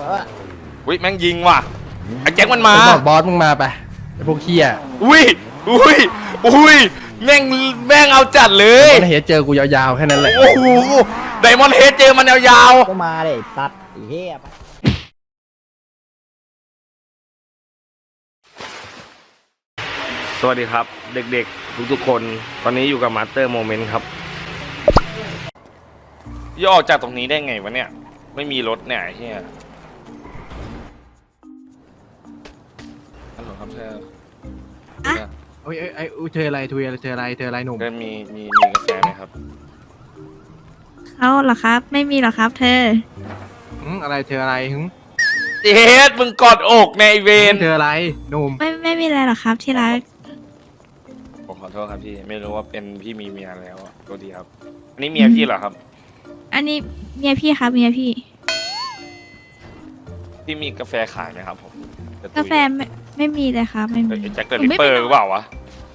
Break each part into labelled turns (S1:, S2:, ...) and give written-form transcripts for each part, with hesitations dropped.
S1: อุ้ยแม่งยิงว่ะไอ้แจ็คมันมา
S2: บอสมึงมาไปไอ้พวกเคีย
S1: อุ้ยแม่งเอาจัดเลย
S2: มันเห็นเจอกูยาวๆแค่นั้นแหละ
S1: โอ้โหไดมอนด์เฮดเจอมันยาว
S3: ก็มาเลยตัดไอ้เหี้ย
S1: ๆสวัสดีครับ เด็กๆทุกๆคนตอนนี้อยู่กับมาสเตอร์โมเมนต์ครับย่อออกจากตรงนี้ได้ไงวะเนี่ยไม่มีรถเนี่ยไอ้เฮียฮัลโหลครับเธอ
S2: โอ้ยไอ้เธออะไรเธออะไรหนุ่ม
S1: ได้มีกาแฟไหมครับ
S4: เขาเหรอครับ ไม่มีหรอครับ เธอ
S2: อะไรเธออะไรหึ
S1: เจ๊มึงกอดอกในเวน
S2: เธออะไรหนุ่ม
S4: ไม่มีอะไรหรอกครับที่รัก
S1: ผมขอโทษครับพี่ไม่รู้ว่าเป็นพี่มีเมียแล้วอะตัวดีครับอันนี้เมียพี่เหรอครับ
S4: อันนี้เมียพี่ครับเมียพี่
S1: พี่มีกาแฟขายไหมครับผมจะตุย
S4: กาแฟไม่มีเลยครับไม่มี
S1: เฮ้ยไอ้แจ็คเดอะ
S4: หนู
S1: ริป
S4: ไม่
S1: เปอร์
S4: ไป
S1: หรือเปล่าวะ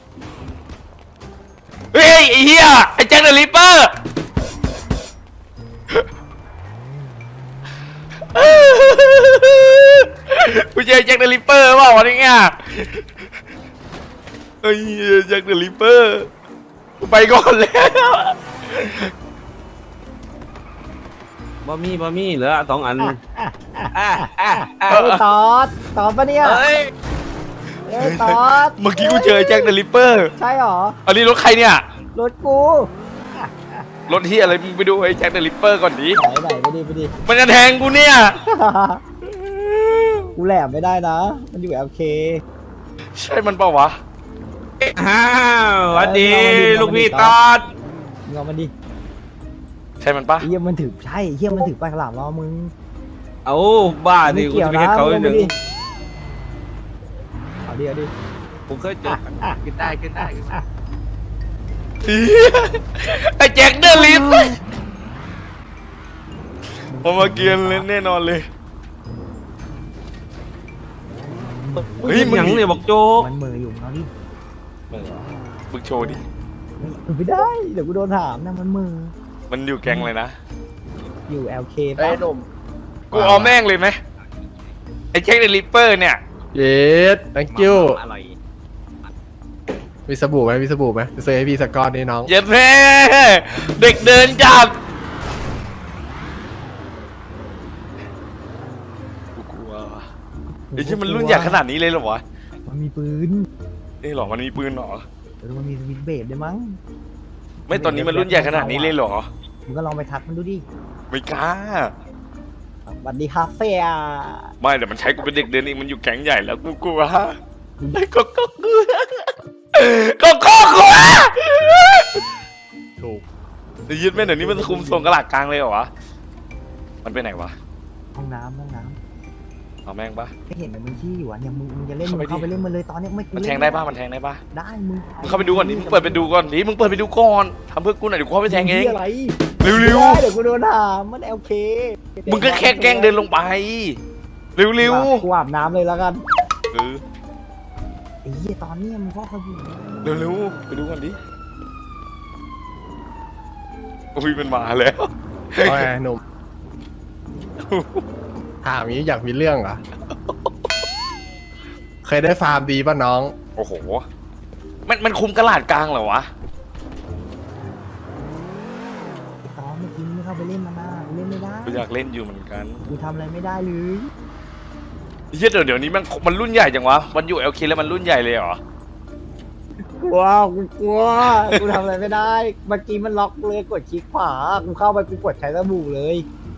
S1: เฮ้ยไอ้เหี้ยไอ้แจ็คเดอะริปเปอร์กูเจอแจ็คเดอะริปเปอร์เปล่าวะเนี่ยเฮ้ยแจ็คเดอะริปเปอร์กูไปก่อนแล้ว
S5: บะหมี่เหลือ2 อัน
S3: ไอ้ตอดปะเนี่ย
S1: เฮ้ย
S3: ไอ้ตอด
S1: เมื่อกี้กูเจอแจ็คเดอะริปเปอร์
S3: ใช่หรอ
S1: อันนี้รถใครเนี่ย
S3: รถกู
S1: รถที่อะไรมึงไปดูไอ้แจ็คเดอะริปเปอร์ก่อนดิ
S3: ไหนไปดิ
S1: มันจะแทงกูเนี่ย
S3: กูแหลมไม่ได้นะ มันอยู่ LK
S1: ใช่มันเปล่าวะ
S5: อ้าวสวัสดีลูกพี่ตอด
S3: มึงเอามันดิ
S1: ใช่มันปะ
S3: ไอ้เหี้ยมันถือใช่เหี้ยมันถือปลายฉลามล้อมึง
S5: เอาบ้าดิ
S3: ไม่
S5: กู
S3: เกี่ยว
S5: จะไป
S3: นะ
S5: เห็นเขาหนึ่ง
S3: เอาดิ
S5: ผมเคยเจอ
S2: ขึ้นได้
S1: ไอ้แจ็คเดอะริปผมมาเกียนเลยแน่นอนเลย เฮ้ยมึง
S5: หยังเนี่ยบอกโจ๊ก
S3: มันมืออยู่เอาดิ
S1: มึงโชว์ดิ
S3: ไม่ได้ เดี๋ยวกูโดนถามนะมันมือ
S1: มันอยู่แก๊งเลยนะ
S3: อยู่ LK
S2: ไอ้
S3: ปะ
S2: หนุ่ม
S1: กูเอาแม่งเลยไหมไอ้แจ็คเดอะริปเปอร์เนี่ย
S2: เย็ด thank you
S5: อร่อย
S2: มีสบู่ไหมจะซื้อให้พี่สักก้อนนี่น้อง
S1: เย็ดแม่เด็กเดินจับกูกลัวว่ะไอ้ที่มันรุ่นใหญ่ขนาดนี้เลยเหรอวะ
S3: มันมีปืน
S1: เอ้ยหรอมันมีปืนเหรอ
S3: มันมีสวิตช์เบรดด้วยมั้ง
S1: ไม่ตอนนี้มันรุ่นใหญ่ขนาดนี้เลยเหรอ
S3: มึงก็ลองไปทักมันดูดิ
S1: ไม่กล้า
S3: สวัสดีคาเฟ่อะ
S1: ไม่แต่มันใช้กูเป็นเด็กเดินเองมันอยู่แก๊งใหญ่แล้วกูกลัวก็กลัวก็กลัว
S2: ถูก
S1: ไอ้ยึดแม่เดี๋ยวนี้มันคุมทรงกระหลาดกลางเลยเหรอวะมันไปไหนวะ
S3: ห้องน้ำ
S1: เอาแม่งปะ
S3: ไม่เห็นมันชี้อยู่อ่ะเนี่ยมึงจะเล่น
S1: เข้า
S3: มึ
S1: ไป
S3: งเข้า
S1: ดิ
S3: ไปเล่นมันเลยตอนเนี้ยไม่
S1: มันแทงได้ปะมันแทงได้ปะ
S3: ได้มึง
S1: มึงเข้าไปดูก่อนดิมึงเปิดไปดูก่อนดิมึงเปิดไปดูก่อนทำเพื่อกูหน่อยเดี๋ยวกูเข้าไปแทงเอง
S3: อะไร
S1: เร็ว
S3: ได้เดี๋ยวกูโดนถามมัน LK
S1: มึงก็แค่แกล้งเดินลงไปเร็ว
S3: กูอาบน้ำเลยแล้วกัน
S1: เออ
S3: ไอ้เหี้ยตอนเนี้ยมึงก็สบู่
S1: เร็วไปดูก่อนดิอุ้ยมันมาแล้ว
S2: เอาไงหนุ่มถามนี้อยากมีเรื่องเหรอ เคยได้ฟาร์มดีป่ะน้อง
S1: โอ้โหมันคุมกระหลาดกลางเหรอวะ
S3: ไอ้ตอนเมื่อกี้มึงไม่เข้าไปเล่นมันนะเล่นไม่ได้
S1: กูอยากเล่นอยู่เหมือนกัน
S3: กูทำอะไรไม่ได้เลย
S1: เฮ้ยเดี๋ยวนี้มันรุ่นใหญ่จังวะมันอยู่LKแล้วมันรุ่นใหญ่เลยเหรอ
S3: กลัวกูทำอะไรไม่ได้เมื่อกี้มันล็อกเลยกดคลิกขวากูเข้าไปกูกดใช้สบู่เลย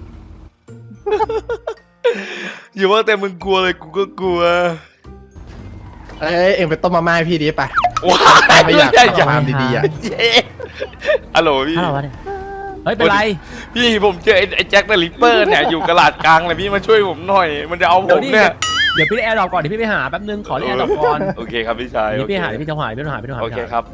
S1: อย่าว่าแต่มึงกลัวเลยกูก็กลัว
S2: เอ้ยเอ็งไปต้มมาม่าให้พี่ดิไป
S1: ว้า
S2: ไม่อยาก
S1: ใหญ่จัง
S2: ฟาร์มดีๆอ่ะ
S1: เย้ฮัลโหลพี่
S3: ฮัลโหลวะเนี่ย
S5: เฮ้ยเป็นไร
S1: พี่ผมเจอไอ้แจ็คเดอะริปเปอร์เนี่ยอยู่กระหลาดกลางเลยพี่มาช่วยผมหน่อย มันจะเอาผมเนี่ย
S5: เดี๋ยวพี่ได้แอร์ดรอปก่อนเดี๋ยวพี่ไปหาแป๊บนึงขอเล่นแอร์ดรอปก่อน
S1: โอเคครับพี่ชาย
S5: เดี๋ยวพี่
S1: โอเค
S5: หาเดี๋ยวพี่จะหายพี่ต้องหายพี่ต้องหาย
S1: โอเคครับ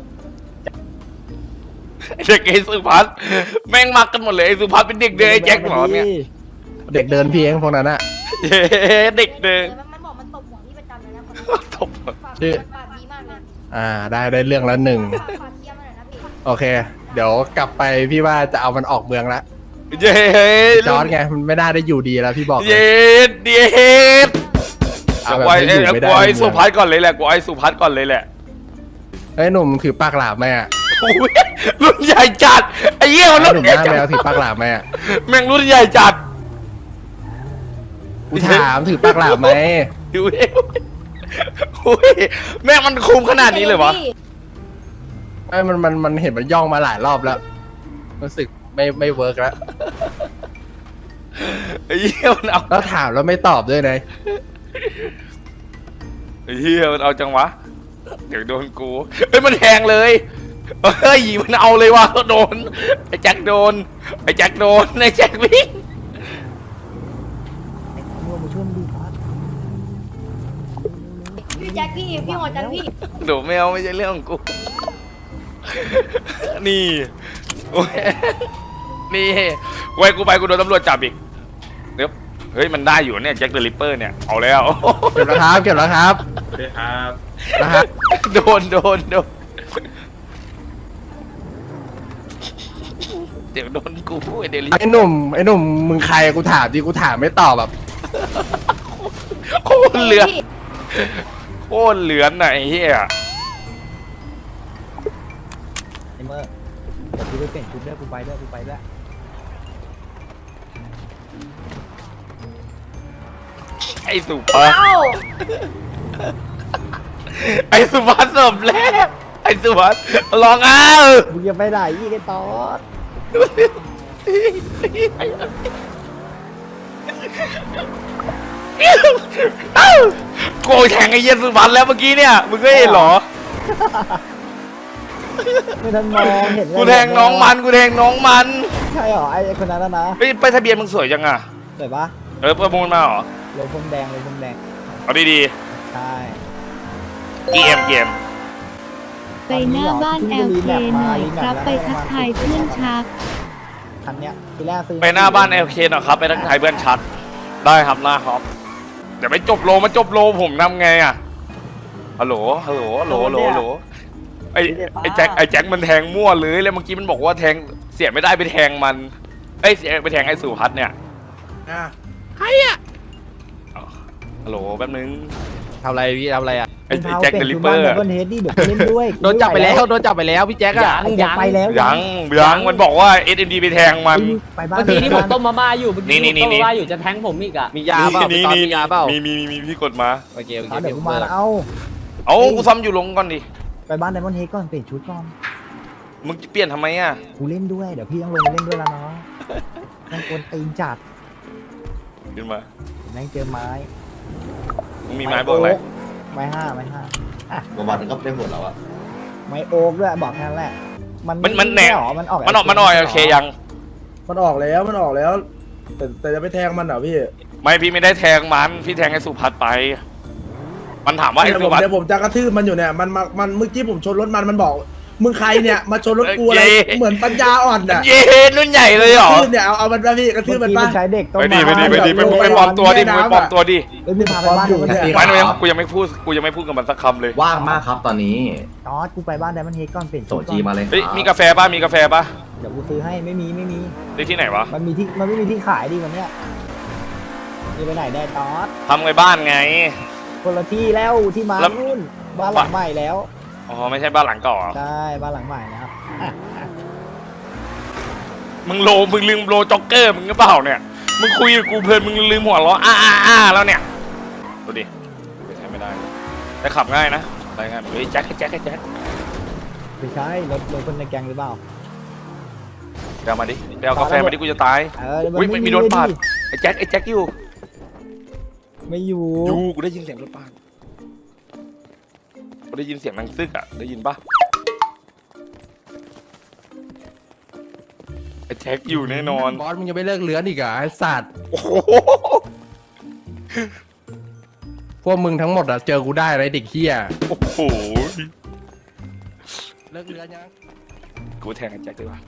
S1: ไอ้เด็กไอ้สุพัฒน์แม่งมักกันหมดเลยไอ้สุพัฒน์เป็นเด็กเดินไอ้แจ็คเหรอเนี่ย
S2: เด็กเดินพี่เองพวกนั้นอะ
S1: เย้เด็กเดิน
S6: มันบอกมันตบหัวพี่ประจำเลยนะคนนี้
S1: ตบ
S6: ฝาก
S2: ชื่อ
S6: ปากดีมากเลย
S2: ได้เรื่องละหนึ่ง
S6: ฝากเคลียร์มาหน่อยนะพี่
S2: โอเค เดี๋ยวกลับไปพี่ว่าจะเอามันออกเมืองละ
S1: เย็ด
S2: จอร์ดไงมันไม่น่าได้อยู่ดีแล้วพี่บอกเลย
S1: เย็ดเย็ด
S2: เอา
S1: กู
S2: แบบ
S1: ไอ้
S2: ให้อยู่ไม่ได้
S1: กูไอ้
S2: ในเมื
S1: สุ
S2: อง
S1: พัฒน์ก่อนเลยแหละกูไอ้สุพัฒน์ก่อนเลยแหละ
S2: เฮ้ยหนุ่มถือปากหลาบไหมอ่ะ
S1: โอ้ยรุ่นใหญ่จัดไอ้เหี้ยมัน
S2: ห
S1: รุ่
S2: นุ่
S1: น
S2: ม
S1: ใหญ่
S2: หน้า
S1: จั
S2: แม
S1: ด
S2: วถือปากหลาบไหมอ่ะ
S1: แม่งรุ่นใหญ่จัด
S2: กูถามถือปากหลาบไหม
S1: ดูเอ้ยโอ้ยแม่งมันคุมขนาดนี้เลยวะ
S2: ไอ้ยมันเห็นมันย่องมาหลายรอบแล้วรู้สึกไม่เวิร์กแล้ว
S1: ไอ้เหี้ยมันเอา
S2: แล้วถามแล้วไม่ตอบด้วยนะ
S1: ไอ้เหี้ยมันเอาจังวะเดี๋ยวโดนกูเฮ้ยมันแทงเลยเฮ้ยมันเอาเลยวะโดนไอ้แจ็คโดนไอ้แจ็คโดนไอ้แจ็ควิ่ง
S3: มึงมาช่วยมึงดูพัด
S6: พี่แจ็คพี่หัวจันพี่
S1: โดดไม่เอาไม่ใช่เรื่องของกู นี่โอ้ยนี่ไว้กูไปกูโดนตำรวจจับอีกเดี๋ยวเฮ้ยมันได้อยู่เนี่ยแจ็คเดอะริปเปอร์เนี่ยเอาแล้ว
S2: เก็บแล้วครับเก็บแล้วครับ
S5: สวัสดีครับ
S2: นะฮะ
S1: โดนเดี๋ยวโดนกูไอเดลิ
S2: ไอ้หนุ่มมึงใครกูถามดิกูถามไม่ตอบแบบ
S1: โคตรเหลือโคตรเหลือนไหนเฮีย
S3: ไอ้เมื่อเดี๋ยวกูไปเปลี่ยนชุดด้วยกูไปด้วย
S1: ไอสุภาพ
S6: เอ้า
S1: ไอสุภาพสมแล้วไอสุภาพลองเอา
S3: มึงจะไปไหนยี่ไอ้ตอด
S1: โกยแทงไอเหี้ยสุภาพแล้วเมื่อกี้เนี่ยมึงก็เห็นเหรอ
S3: ไม่ทันมองเห็น
S1: กูแทงน้องมันกูแทงน้องมัน
S3: ใช่เหรอไอ้คนนั้นนะ
S1: ไปทะเบียนมึงสวยจังอะ
S3: เห็นปะ
S1: ประมูลมาเหรอ
S3: ลงพรมแดง
S1: เอาดี
S3: ใช่
S1: ๆเกม
S7: ไปหน้าบ้าน LK หน่อยครับ ไปทักทายเพื่อนชัก
S3: คันเนี้ยทีแรกซื้อ
S1: ไปหน้าบ้านLKหน่อยครับไปทักทายเพื่อนชัดได้ครับหน้าครับเดี๋ยวไปจบโลมาจบโลผมทำไงอะฮัลโหลไอ้แจ็คมันแทงมั่วเลยแล้วเมื่อกี้มันบอกว่าแทงเสียไม่ได้ไปแทงมันเสียไปแทงไอ้สุพัฒน์เนี่ย ฮัลโหลแป๊บนึง
S2: ทำอะไรพี่ทำอะไรอ่ะ
S1: ไอ้แจ็คเดลิเปอร์
S3: บนเฮดดี้เดี๋ยวกูเล่นด้วย
S2: โดนจับไปแล้วพี่แจ็คอะ
S3: ยังไปแล้ว
S1: ยังมันบอกว่า SMD ไปแทงมัน
S3: ไปบ้าน
S8: เมื่อกี้ที่ผมต้มมาม่าอยู่เมื่อกี้
S1: นี่
S8: ที่ผมต้มมาม่าอยู่จะแทงผมอีกอ่ะ
S2: มียาเปล่าพี่ตอนมียาเปล่า
S1: มีพี่กดมา
S2: โอเค
S3: เดี๋ยวกูมาแล้วเอา
S1: เอากูซ้ำอยู่ลงก่อนดิ
S3: ไปบ้านไดมอนด์เฮดก่อนเปลี่ยนชุดก่อน
S1: มึงจะเปลี่ยนทำไมอ่ะ
S3: กูเล่นด้วยเดี๋ยวพี่ต้องลงไปเล่นด้วยแล้วน้องต้องกวนตีนจัด
S1: ขึ้นมา
S3: แม่งเจอไม้
S1: มึงมีไม้บอกอะไร
S3: ไม้ห้า
S9: ประมาณนั้นก็ได้หมดแล้วอะ
S3: ไม้โอ๊กด้วยบอกแค่นั้นแหละ
S1: มันแหน
S3: หรอมันออก
S1: มันออกโอเคยัง
S10: มันออกแล้วแต่จะไปแทงมันเหรอพี่
S1: ไม่พี่ไม่ได้แทงมันพี่แทงไอ้สุพัฒน์ไป มันถามว่าไอ้
S10: เดี๋ยว
S1: สุ
S10: ผม
S1: พัฒน์
S10: เดี๋ยวผมจะกระทืบมันอยู่เนี่ยมันเมื่อกี้ผมชนรถมันบอกมึงใครเนี่ยมาชนรถกูอะไรเหมือนปัญญาอ่อนอ่ะ
S1: เย้รุ่นใหญ่เลยเหรอ
S10: กระทืบเนี่ยเอามันไปพี่กระทืบมัน
S3: เมื่
S10: ป่ะ
S3: อกี้ใช้เด็กต้น
S1: ไปดิ
S3: ไม้
S1: ไปปลอมตัวดิมึงไปปลอมตัวดิ
S3: เอ้ยมึงพาไปบ้านไดมอนด์เฮด
S1: ไม่กูยังไม่พูดกับมันสักคำเลย
S9: ว่างมากครับตอนนี้
S3: ตอดกูไปบ้านไดมอนด์เฮดก่อนเปลี่ยน
S9: โส
S3: ชุดก่
S9: จี
S3: อน
S9: มาเลย
S1: เฮ้ยมีกาแฟป่ะมีกาแฟป่ะ
S3: เดี๋ยวกูซื้อให้ไม่มี
S1: ได้ที่ไหนวะ
S3: มันไม่มีที่ขายดิวันเนี้ยนี่ไปไหนได้ตอด
S1: ทำไงบ้านไง
S3: คนละที่แล้วที่มา
S1: แล้ว
S3: นู่นบ้านหลังใหม่แล้ว
S1: อ๋อไม่ใช่บ้านหลังเก่าเหรอ
S3: ใช่บ้านหลังใหม่นะครับอ่ะ
S1: มึงลืมโลจ็อกเกอร์มึงหรือเปล่าเนี่ยมึงคุยกับกูเพลินมึงลืมหัวล้อแล้วเนี่ยดูดิใช้ไม่ได้แต่ขับง่ายนะได้ง่ายเฮ้ยแจ็ค
S3: ไม่ใช่รถคนในแก๊งหรือเปล่า
S1: เดี๋ยวมาดิเดี๋ยวเอากาแฟมาดิกูจะตาย
S3: มัน
S1: อุ๊ยมีรถปาด ไอ้แจ็คอยู่
S3: ไม่อยู่
S1: กูได้ยินเสียงรถปาดกูได้ยินเสียงนางซึกอ่ะได้ยินปะไอ้แจ็คอยู่แน่นอน
S2: บอสมึงยังไม่เลิกเลื้อนอีกเหรอไอ้สัตว์
S1: โอ้โห
S2: พวกมึงทั้งหมดอะเจอกูได้ไรเด็กเฮีย
S1: โอ้โห
S2: เลิกเลื้อนยัง
S1: กูแทงไอ้แจ็คดีกว่า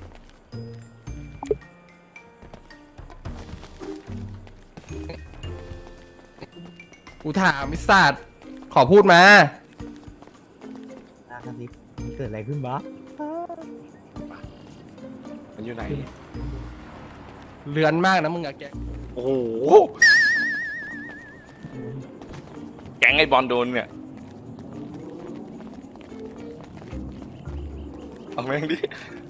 S2: กูถามไอ้สัตว์ขอพูดมา
S3: นะครับนี่เกิดอะไรขึ้นบ้า
S1: มันอยู่ไหน
S2: เลือนมากนะมึงอะแก
S1: โอ้โหแก๊งไอ้บอลโดนเนี่ยเอาแม่งดิ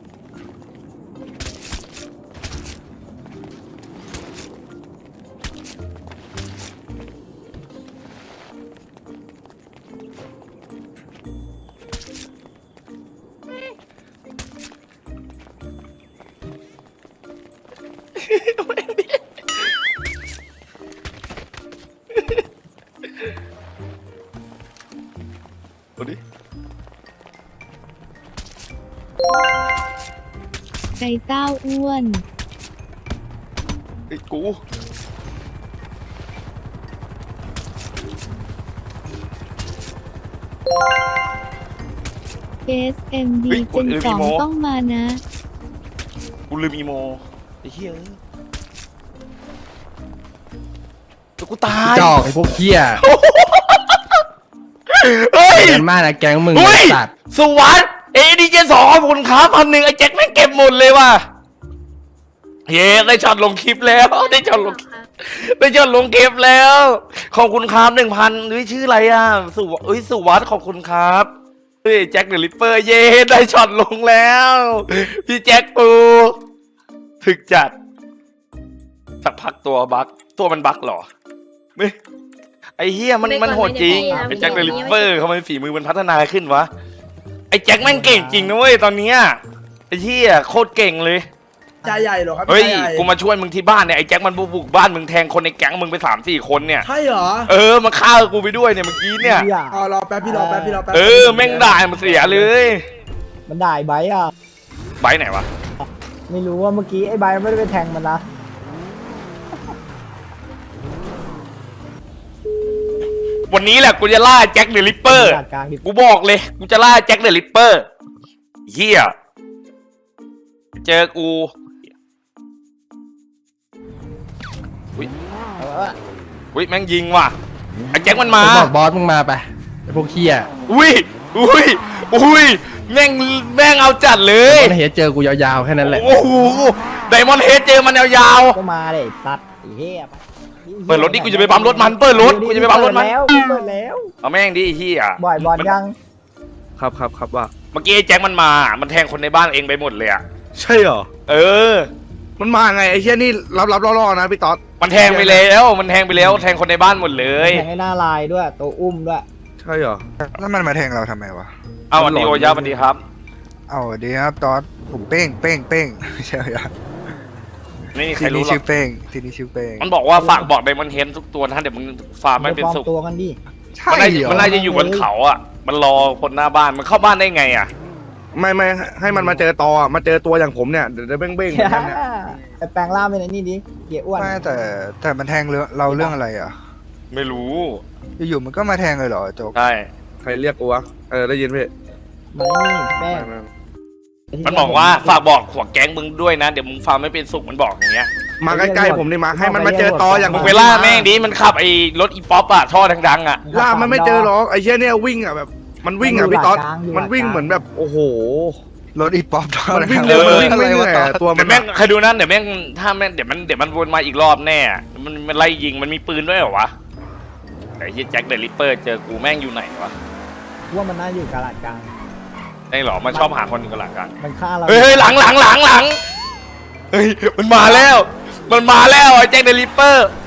S1: เอาดิ
S7: ไก่เต้าอ้วน
S1: ไอ้กู
S7: SMD
S1: เฮ้ย
S7: เจน
S1: ลืมอีโม
S7: 2ต้องมานะ
S1: กูลืมอีโมไอ้เหี้ยเดี๋ยวกูตาย
S2: จอกไอ้พวกเหี้ย
S1: เฮ้ย
S2: เลือนมากนะแก๊งมึง
S1: เฮ้ย
S2: ไอ้สัตว์
S1: สวัสดAD72ขอบคุณครับ1,000ไอ้แจ็คแม่งเก็บหมดเลยว่ะเย้ได้ช็อตลงคลิปแล้วได้ช็อตลงคลิปแล้ว ขอบคุณครับ1,000ด้วยชื่ออะไรอ่ะสุวัสดขอบคุณครับเฮ้ยแจ็คเดอะริปเปอร์เย้ได้ช็อตลงแล้วพี่แจ็คปูถึกจัดสักพักตัวมันบักเหรอไม่ไอ้เฮียมันโหดจริงไอ้แจ็คเดอะริปเปอร์ทำไมฝีมือมันพัฒนาขึ้นวะไอ้แจ็คแม่งเก่งจริงนะเว้ยตอนเนี้ยไอ้เฮียโคตรเก่งเลย
S10: ใจใหญ่เหรอครับ
S1: เฮ้ย
S10: ใจใหญ่
S1: กูมาช่วยมึงที่บ้านเนี่ยไอ้แจ็คมันบุกบ้านมึงแทงคนในแก๊งมึงไป3-4 คนเนี่ย
S10: ใช่เหรอ
S1: มันฆ่ากูไปด้วยเนี่ยเมื่อกี้เนี่ย
S3: หี้
S10: อ๋อรอแป๊บพี่รอแป๊บพี่รอแป๊บ
S1: แม่งด่ามันเสียเลย
S3: มันด่าไอ้ไบร์ทอ่ะ
S1: ไบร์ทไหนวะ
S3: ไม่รู้ว่าเมื่อกี้ไอ้ไบร์ทไม่ได้ไปแทงมันนะ
S1: วันนี้แหละกูจะล่าแจ็คเดอะริปเปอร์
S3: จัดการดิ
S1: กูบอกเลยกูจะล่าแจ็คเดอะริปเปอร์เฮียเจอกูอุ้ยแม่งยิงว่ะไอ้แจ็คมันมา
S2: บอกบอสมึงมาไปไอ้พวกเหี้ย
S1: อุ้ยแม่งเอาจัดเลย
S2: มันเห็นเจอกูยาวๆแค่นั้นแหละ
S1: โอ้โหไดมอนด์เฮดเจอมันยาว
S3: ก็มาเลยตัดไอ้เหี้ย
S1: ๆเปิดรถดิกูจะไปปั๊มรถมันเปิดรถกูจะไปปั๊มรถมัน
S3: เปิดแล้ว
S1: เอาแม่งดิไอ้เฮีย
S3: บ่อยบอลยัง
S5: ครับว่า
S1: เมื่อกี้ไอ้แจ็คมันมามันแทงคนในบ้านเองไปหมดเลยอะ
S5: ใช่เหรอมันมาไงไอ้เชี่ยนี่รับล่อๆนะพี่ต๊อด
S1: มันแทงไปแล้วแทงคนในบ้านหมดเลย
S3: แทงให้หน้าลายด้วยตัวอุ้มด้วย
S5: ใช่เหรอ
S11: แล้วมันมาแทงเราทำไมวะ
S1: เอาวันดีโอยาวันดีครับ
S11: เอาดีครับตอนผมเป้งไม่ใช่ครับ
S1: ไม่มีใคร
S11: ที
S1: รู้
S11: นี้
S1: หรอ
S11: ชื่
S1: ก
S11: อเป้งทีนี้ชื่อเป้ง
S1: มันบอกว่าฝากบอกไดมอนด์เฮดทุกตัวนะเดี๋ยวมึงฟาร์มไม่เป็นสุข
S3: ตัวกันดิ
S11: ใช่
S1: มันน่าจะอยู่บนเขาอ่ะมันรอคนหน้าบ้านมันเข้าบ้านได้ไงอ่ะ
S5: ไม่ให้มันมาเจอตออ่ะมาเจอตัวอย่างผมเนี่ยเดี๋ยวเบ้งๆเหมือนกันเนี่ย
S3: ไปแปลงร่างเป็นไอ้นี่ดิเกียอ้วน
S11: ไม่แต่มันแทงเราเรื่องอะไรอ่ะ
S1: ไม่รู้
S11: อยู่ๆมันก็มาแทงเลยเหรอโจ๊ก
S1: ใช่
S5: ใครเรียกกูวะได้ยินพี่
S3: มานี่แป้ง
S1: มันบอกว่าฝากบอกหัวแก๊งมึงด้วยนะเดี๋ยวมึงฟาร์มไม่เป็นสุขมันบอกอย่างเงี้ย
S5: มาใกล้ๆผมนี่มาให้มันมาเจอตออย่าง
S1: มึ
S5: ผ
S1: ง
S5: ม
S1: ไปล่าแม่งดิมันขับไอ้รถอีป๊อปอ่ะท่อดังๆอ่ะ
S5: ล่ามันไม่เจอหรอกไอ้เชี่ยเนี่ยวิ่งอ่ะแบบมันวิ่งอ่ะพี่ต๊อดมันวิ่งเหมือนแบบโอ้โห
S11: รถอีป๊อป
S5: มันวิ่งเร็วมันวิ่งไม่เหนื่อยอะตัวมั
S1: เดี๋ย
S5: น
S1: วแม่งใครดูนั่นเดี๋ยวแม่งถ้าแม่งเดี๋ยวมันวนมาอีกรอบแน่มันไล่ยิงมันมีปืนด้วยเหรอวะไอ้เหี้ยแจ็คเดอะริปเปอร์เจอกูแม่งอยู่ไหนวะ
S3: ว่ามันน่าอยู่กาลาดกลาง
S1: ไอ้หรอมันชอบหาคนอยู่กันหลังกัน
S3: มันฆ่าเรา
S1: เฮ้ยหลังเฮ้ยมันมาแล้วไอ้แจ็คเดอะริปเปอร์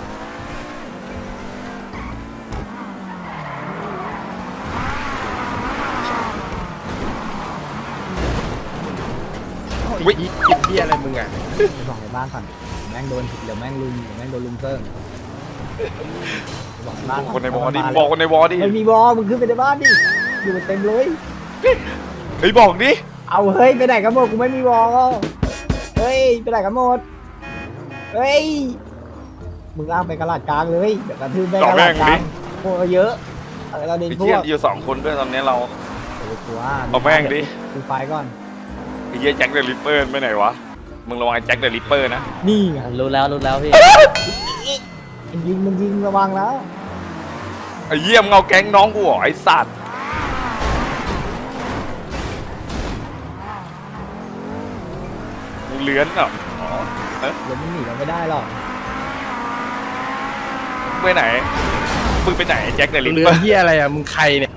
S1: วิ
S2: กินเหี้ยอะไรมึงอะ
S3: ไปบอกในบ้านก่อนแม่งโดนเดี๋ยวแม่งลุมเซิร์งบอกในบ้าน
S1: คนในวอดิบอกคนในวอดิ
S3: ไม่มีวอมึงขึ้นไปในบ้านดิอยู่เต็มเลย
S1: เฮ้ยบอกดิ
S3: เอาเฮ้ยไปไหนกันหมดกูไม่มีวอเฮ้ยไปไหนกันหมดเฮ้ยมึงลากไปกระลาดกลางเลยเดี๋ยวกระทืบแม่งกระลาดกลางพวกเยอะเราเด่น
S1: ไอ้
S3: พว
S1: เหี้ย
S3: ก
S1: อยู่2 คนด้วยตอนนี้เรา
S3: ตัว
S1: เอาแม่งดิ
S3: ดูไฟก่อน
S1: ไอ้เหี้ยแจ็คเดอะริปเปอร์ไปไหนวะมึงระวังไอ้แจ็คเดอะริปเปอร์นะ
S3: นี่ไง
S8: รู้แล้วพี่
S3: มันยิงระวังแล้ว
S1: ไอ้เหี้ยมงเอาแก๊งน้องกูเหรอไอ้สัตว์มึงเลื้อนเหรออ๋อ
S3: เดี๋ยวมึงหนีเราไม่ได้หรอก
S1: ไปไหนมึงไปไหนแจ็คเดลิ
S2: เรือเฮียอะไรอ่ะมึงใครเนี่ย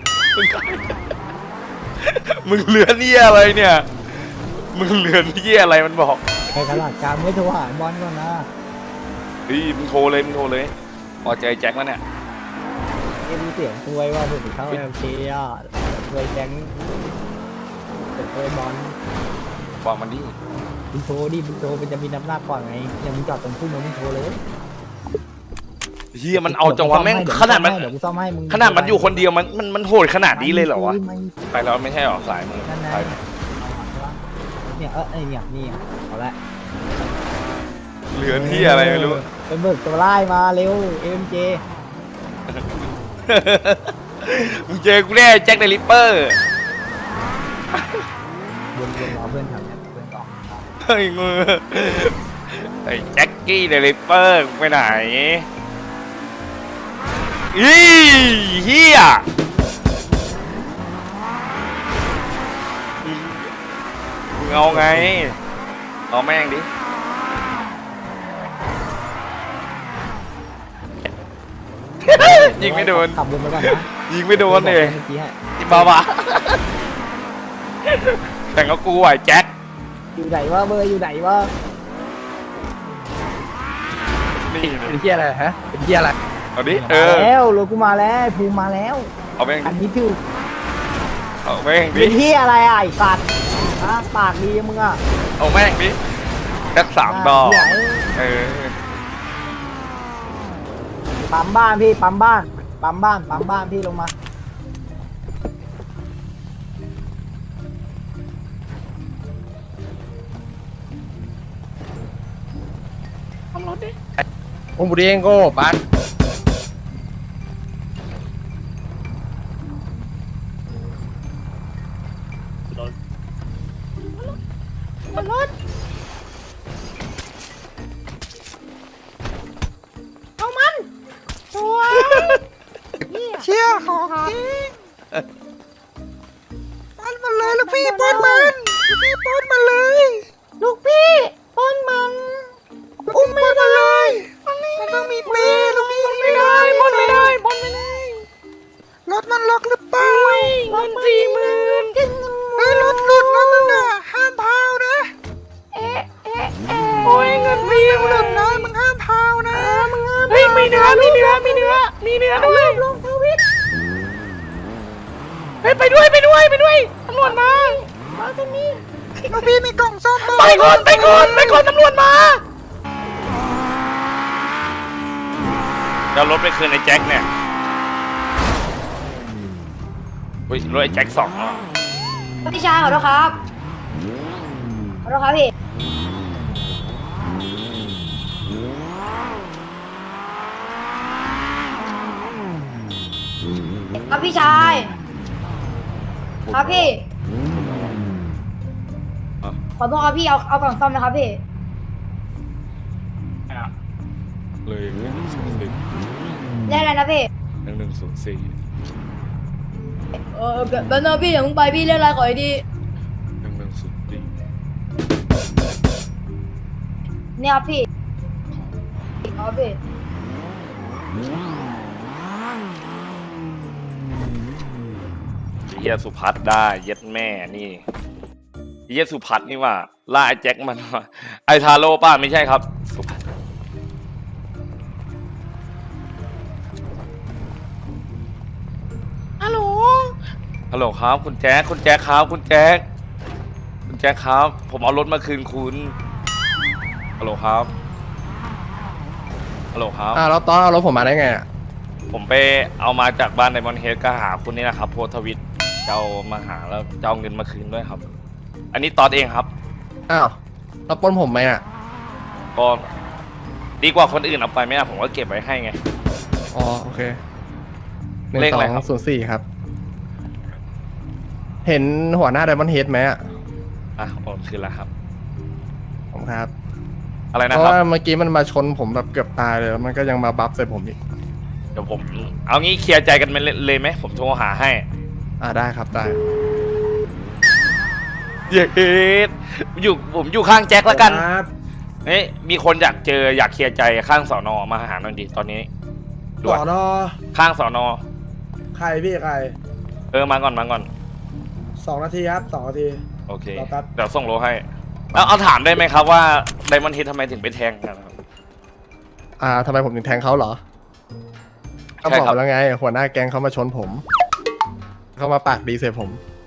S1: มึงเลือนเหี้ยอะไรเนี่ยมึงเลือนเหี้ยอะไรมันบอก
S3: ไปตลาดกลางไม่โทรหาบอลก่อนนะ
S1: เฮ้ยมึงโทรเลยพอใจแจ็คแล้วเนี่ย
S3: มีเสียงช่วยว่าผมเข้าโอเคอ่ะช่วยแก๊งช่วยบอล
S1: บอกมันดิ
S3: มึงโทรดิมึงโทรมันจะมีน้ำหนักกว่าไงยังมึงจอดตรงพุ่มมึงโทรเลย
S1: เฮียมันเอาจังหวะแม่งขนาดมัน
S3: เดี๋ยวกูซ่อมให้มึง
S1: ขนาดมันอยู่คนเดียวมันโหดขนาดนี้เลยเหรอวะไปแล้วไม่ใช่หรอสายมือ
S3: นั่นนะ
S1: ไป
S3: เนี่ยไอเนี่ยนี่เอาละ
S1: เหลือที่อะไรไม่รู้
S3: ไปเบิกตัวไล่มาเร็วเอ็มเจ
S1: มึงเจอกูแน่แจ็คเดลิปเปอร์
S3: วนรอเพื่อนแถวเนี้ยเพื่อนออก
S1: เฮ้ยมือไอ้แจ็คกี้เดลิปเปอร์ไปไหนอีเฮียมึงเอาไงเอาแม่งดิยิงไม่โดน
S3: ขับวนไปก่อนนะ
S1: ยิงไม่โดนเลย
S3: เมื่อกี้ให้
S1: จิบ้าแต่งก็กูไหวแจ็ค
S3: อยู่ไหนวะเบอร์อยู่ไหนวะ
S1: นี่
S2: เป็นเฮียอะไรฮะเป็นเฮียอะไร
S1: เอาดิ
S3: มาแล้วรถกูมาแล้วภูมิมาแล้ว
S1: เอาแม่ง
S3: อันนี้คือ
S1: เอาแม่งดิ
S3: เป็นที่อะไรอ่ะไอ้สัตว์ฮะปากดีมึงอ่ะ
S1: เอาแม่งดิแจ็ค3 ดอก
S3: เหี้ย
S1: เออ
S3: ปั๊มบ้านพี่ปั๊มบ้านพี่ลงมา
S2: ผมบุรีเองโก้บัส
S11: เชี่ยของจริงป้อนมันเลยลูกพี่ป้อนมันลูกพี่ป้อนมันเลยลูกพี่ป้อนมันอุ้มไม่มาเลยมันต้องมีเปย์ลูกพี่ไม่ได้ป้อนไม่ได้ป้อนไม่ได้รถมันล็อกหรือเปล่าเงิน40,000เฮ้ยรถหลุดนะมึงอ่ะห้ามพาวนะโอ้ยเงินพี่ยังหลุดนะมึงห้ามพาวนะมึงห้ามเฮ้ยมีเนื้อด้วยลงทวิตเฮ้ยไปด้วยตำรวจมาตรงนี้ลูกพี่มีกล่องซ่อมไปก่อนตำรวจมา
S1: เดี๋ยวรถไปคืนไอ้แจ็คเนี่ยเฮ้ยรถไอ้แจ็ค2อ่ะ
S6: พี่ชายขอโทษครับพี่ครับพี่ชายครับพี่ขอโทษครับพี่เอากล่องซ่อมนะครับพี่
S1: เลย
S6: ได้อะไรนะพี่
S1: 1104
S6: แบบนั้นพี่อย่าเพิ่งไปพี่เล่นอะไรขอให้ดี
S1: 1104
S6: เนี่ยครับพี่ครับพี่
S1: เฮียสุพัฒน์ได้เย็ดแม่นี่เฮียสุพัฒน์นี่ว่าล่าไอ้แจ็คมันว่าไอ้ทาโร่ป้าไม่ใช่ครับสุพัฒน์ฮัลโหลครับคุณแจ็คครับคุณแจ็คครับ ผมเอารถมาคืนคุณฮัลโหลครับ
S2: แล้วตอนเอารถผมมาได้ไงอ่ะ
S1: ผมไปเอามาจากบ้านไดมอนด์เฮดก็หาคุณนี่นะครับโพสต์ทวิตจะเอามาหาแล้วจะเอาเงินมาคืนด้วยครับ อันนี้ตอนเองครับ
S2: อ้าวเราปล้นผมไหมอ่ะ
S1: ก็ดีกว่าคนอื่นเอาไปไหมอะผมก็เก็บไว้ให้ไง
S2: อ๋อโอเค
S1: เลขอะไรครับ
S2: 1204ครับ เห็นหัวหน้าไดมอนด์เฮดไหมอ่ะ
S1: อ่ะโอนคืนแล้วครับ
S2: ผมครับ
S1: อะไร
S2: เพ
S1: นะ
S2: ราะ
S1: ครับ
S2: ว่าเมื่อกี้มันมาชนผมแบบเกือบตายเลยแล้วมันก็ยังมาบัฟใส่ผมอีก
S1: เดี๋ยวผมเอางี้เคลียร์ใจกันเลยไหมผมโทรหาให้
S2: ได้ครับได้
S1: เย้ผมอยู่ข้างแจ็คแล้วกัน
S10: ครับ
S1: เฮ้ยมีคนอยากเจออยากเคลียร์ใจข้างสอนอมาหาหน่อยดิตอนนี้ด่
S10: ส
S1: วน
S10: อนอ
S1: ข้างสอนอ
S10: ใครพี่ใคร
S1: มาก่อน
S10: 2 นาทีครับ2 นาที
S1: โอเค
S10: รอแป๊บ
S1: เดี๋ยวส่งโลให้เอาถามได้ไหมครับว่าไดมอนด์เฮดทำไมถึงไปแทงกันครับ
S2: ทำไมผมถึงแทงเขาเหรอเขา
S1: ใช่
S2: บอก
S1: ครับ
S2: แล้วไง หัวหน้าแก๊งเขามาชนผม เขามาปากดีใส่ผม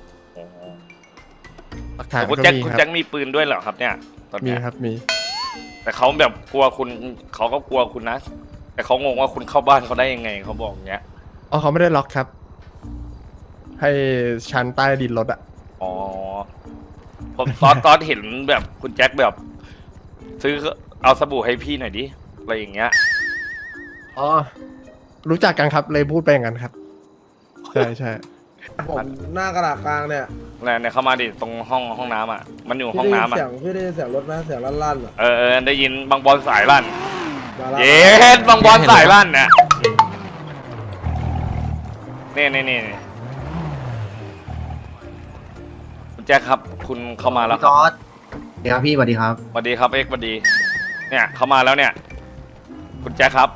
S2: หลักฐาน
S1: คุณ
S2: ก็
S1: แจ็ค
S2: มี
S1: คุณ
S2: ครั
S1: แจ็
S2: บ
S1: คมีปืนด้วยเหรอครับเนี่ยตอน
S2: มี
S1: เนี้ย
S2: ครับมี
S1: แต่เขาแบบกลัวคุณเขาก็กลัวคุณนะ แต่เขางงว่าคุณเข้าบ้านเขาได้ยังไงเขาบอกอย่างเงี้ย
S2: อ๋อเขาไม่ได้ล็อกครับ ให้ชั้นใต้ดินรถอะ
S1: อ๋อผมตอนเห็นแบบคุณแจ็คแบบ ซื้อเอาสบู่ให้พี่หน่อยดิอะไรอย่างเงี้ย
S2: อ๋อรู้จักกันครับเลยพูดไปอย่างนั้นครับ ใช่ใช่
S10: ผมหน้ากระดาษกลางเนี่ย
S1: แล้วเนี่ยเข้ามาดิตรงห้องน้ำอ่ะมันอยู่ห้องน้ำอ่ะ
S10: พี่ได้ยินเสียงรถไหมเสียงลั่นๆอ่ะ
S1: ได้ยินบางบอลสายลั่น
S10: มาแล้ว
S1: เย็ดบางบอลสายลั่นเนี่ยนี่คุณแจ็คครับ คุณเข้ามาแล้วครับ
S9: สวัสดีครับพี่สวัสดีครับ
S1: สวัสดีครับเอ็กซ์สวัสดี เนี่ยเข้ามาแล้วเนี่ย คุณแจ็คครับ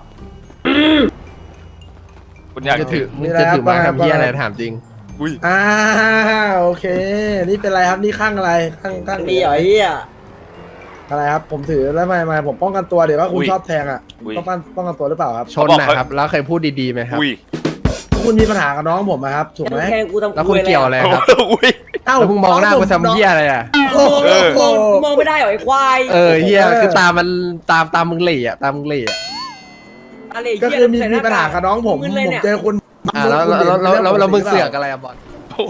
S1: คุณอยาก
S2: จะถือมึงจะถือมาทำเพี้ยอะไรถามจริง
S10: โอเค นี่เป็นไรครับนี่ข้างอะไรข้าง
S8: มีเหรอเฮีย
S10: อะไรครับ ผมถือแล้วไม่ผมป้องกันตัวเดี๋ยวว่าคุณ
S1: อุ้ย
S10: ชอบแทงอ่ะ
S1: อุ้ย
S10: ต้องป้องกันตัวหรือเปล่าครับ
S2: ชนนะครับ แล้วเคยพูดดีๆไหมครับ
S1: อุ้ย
S10: คุณมีปัญหากับน้องผมนะครับถูกไหม
S8: แทงกูทำ
S2: แล้วคุณเกี่ยวอะไรครับ
S1: อุ้ย
S10: เอ้า
S2: แล้วมึงมองหน้ากูทำเหี้ยอะไรอ่ะ
S10: โอ้โห
S1: เออ
S8: มองไม่ได้เหรอไอ้ควาย
S2: เหี้ยคือตามันตามมึงเหล่อะตามมึงเหล่อะ
S8: อะไร
S10: ก็
S8: เฮีย
S10: คือมีปัญหากับน้องผม
S8: มึนเลย
S10: ผม
S8: เนี่ย
S10: เจอคุณ
S2: แล้วมึงเสือกอะไรอะบอล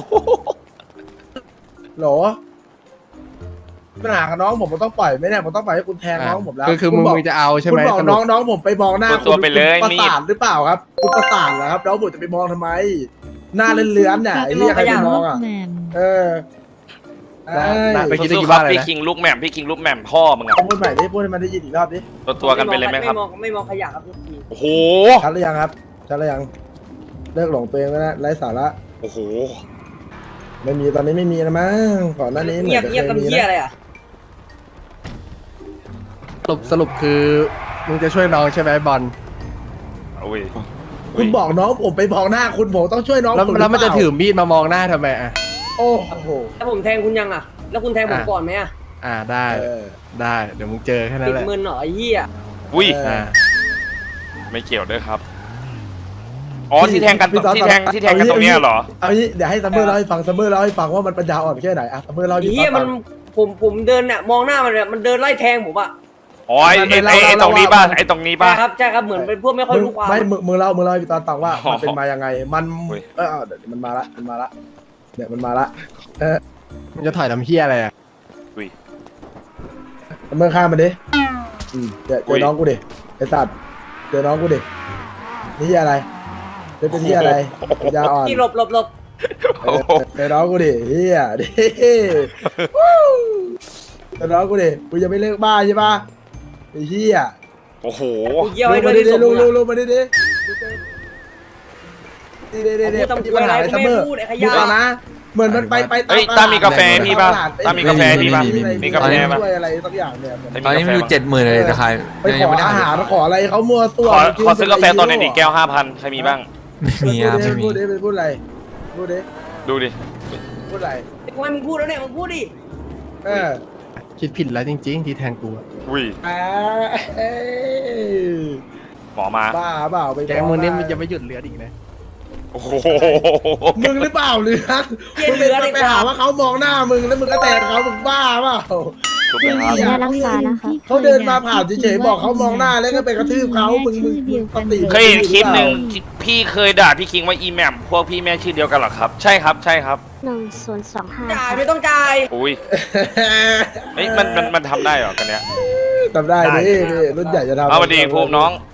S10: โหลปัญหากับน้องผมต้องปล่อยไหมเนี่ยผมต้องปล่อยให้คุณแทงน้องผมแล้ว
S2: คือมึง
S10: บก
S2: จะเอาใช่
S10: คุ
S2: ไห
S10: ณ
S2: ม
S10: บอก
S2: สรุ
S10: น้
S2: ป
S10: องผมไปมองหน้า
S1: ตัวไปเลย
S10: คุณ
S1: มี
S10: ประสาทหรือเปล่าครับคุณประสาทเหรอครับน้องผมจะไปมองทำไม หน้าเลื้อนๆเนี่ยไอ้เรียกใครไปมองอ่ะ
S7: แหม่ม
S10: เออ
S2: ไปกิน
S1: สู้
S2: ได้กี่
S1: ๆค
S2: บ้า
S1: รับ
S2: นเลย
S1: พี่
S2: นะ
S1: คิงลูกแหม่มพี่คิงลูกแหม่มพ่อมึงอะ
S10: พูดใหม่ดิพูดให้มันได้ยินอีกรอบดิ
S1: ตัวกันไปเลยไหมครับ
S8: ไม่มองขยะครับทุกที
S1: โอ้โห
S10: ชัดหรือยังครับชัดหรือยังเลิกหลงตัวเองแล้วนะไร้สาระ
S1: โอ้โห
S10: ไม่มีตอนนี้ไม่มีนะมั้งก่อนหน้านี้เหมื
S8: เงี
S10: อย น
S8: บ
S10: จะ
S8: เงียบ
S10: เค
S8: กับ
S10: ยมี
S8: เฮีย
S10: นะ
S8: อะไรอ่ะ
S2: สรุปคือมึงจะช่วยน้องใช่ไหมบอล
S1: อุ้ย
S10: คุณบอกน้องผมไปมองหน้าคุณผมต้องช่วยน้อง
S2: แล้ว
S10: ผม
S2: แล้วมันจะ
S10: หรือเปล่า
S2: ถือมีดมามองหน้าทำไมอ่ะ
S10: โอ้โห
S8: แล้วผมแทงคุณยังอ่ะ แล้วคุณแทงผมก่อนไหมอ่ะ
S2: ได้
S10: เออ
S2: ได้เดี๋ยวมึงเจอแค่นั้
S8: ติ
S2: น
S8: ด
S2: แหละ
S8: มือหน่อยเฮีย
S1: อุ้ย
S10: เออ
S1: ไม่เกี่ยวด้วยครับอ๋อที่แทงกันที่แทงกันตรงเนี้ยเหรอ
S10: เอางี้เดี๋ยวให้ซัมเมอร์เล่าให้ฟังซัมเมอร์เล่าให้ฟังว่ามันปัญญาอ่อนแค่ไหนอะซัมเมอร์เล่าให้
S8: เฮีย
S10: ฟั
S8: มันผมเดินเนี่ยมองหน้ามันเนี่ยมันเดินไล่แทงผมอ่ะ
S1: อ๋อไอ้ตรงนี้ป่ะไอ้ตรงนี้ป่ะ
S8: ใช่ครับเหมือนเป็นพวกไม่ค่อยรู้ความ
S10: ไม่มึงเล่าให้พี่ตอนฟังว่า
S1: อ๋อ
S10: มันเป็นมายังไงมัน
S1: อุ้ย
S10: เดี๋ยวมันมาละเดี๋ยวมันมาละ
S2: มึงจะถอยทำเฮียอะไรอ่ะ
S1: อุ้ย
S10: ซัมเมอร์ข้ามมันดิเจอน้องกูดิไอ้สัตว์เจอน้องกูดินี่เหี้ยอะไรเป็นที่อะไรปัญญาอ่อน
S8: ที่หลบ
S10: เจอน้องกูดิเฮียดิเจอน้องกูดิกูยังไม่เลิกบ้าใช่ปะไอ้เฮีย
S1: โอ้โห
S8: กูเยี่ยว
S10: ลู
S8: ให้
S10: ก
S8: ด้
S10: มา
S8: วย
S10: ดิ
S8: ที่สม
S10: ลู
S8: บู
S10: ก
S8: รณ์
S10: ลูกมาดิดินี่
S8: ผมพูด
S10: มี
S8: ทำ
S10: ปัญหา
S8: อะไร
S10: อะไร
S8: กู
S10: ซัม
S8: ไม่
S10: เมอร์
S8: พูดไอ้ข
S10: ดู
S8: ยะ
S10: ก่อนนะ เหมือนมันไป
S1: เฮ้ยตามีกาแฟพี่ป่ะตามีกาแฟพี่ป่ะมีกาแฟป่ะ
S10: ช่วยอะไรสักอย่างเนี่ย
S1: ตอนนี้มีอยู่70,000เลยจะขาย
S10: ไปขออาหารขออะไรเขามัวตัว
S1: ขอซื้อกาแฟตอนไหนดิแก้ว 5,000ใครมีบ้าง
S10: มีครับพูดดิพูดอะไรพูดดิ
S1: ดูดิ
S10: พูดอะไร
S8: กูให้มึงพูดแล้วเนี่ยมึงพูดดิ
S2: คิดผิดแล้วจริงๆ ที่แทงกูอะ
S1: อุ้ยหมอมา
S10: บ้าเปล่าไป
S2: แกงมึงนี่มันจะไม่หยุดเลือดอีกนะ
S1: โอ้โห
S10: มึงหรือเปล่าเลือน
S8: เหี้ย
S10: มึง
S8: เหลือดิ
S10: ไปหาว่าเขามองหน้ามึงแล้วมึงก็แตะเขามึงบ้าเปล่า
S1: ถูกไหมครับ
S7: ยารักษานะคะ
S10: เขาเดินมาผ่านเฉยๆบอกเขามองหน้าแล้วก็ไปกระทืบเขามึงปกติ
S1: เคยเห็นคลิปหนึ่งพี่เคยด่าพี่คิงว่าอีแหม่มพวกพี่แม่ชื่อเดียวกันเหรอครับ ใช่ครับใช่ครับ
S6: 1025
S8: จ่ายไม่ต้องจ่าย
S1: อุ้ยเฮ้ยมันทำได้เหรอกันเนี้ย
S10: ทำได้ดิรุ่นใหญ่จะทำ
S1: เอามาดีภูมิน้อง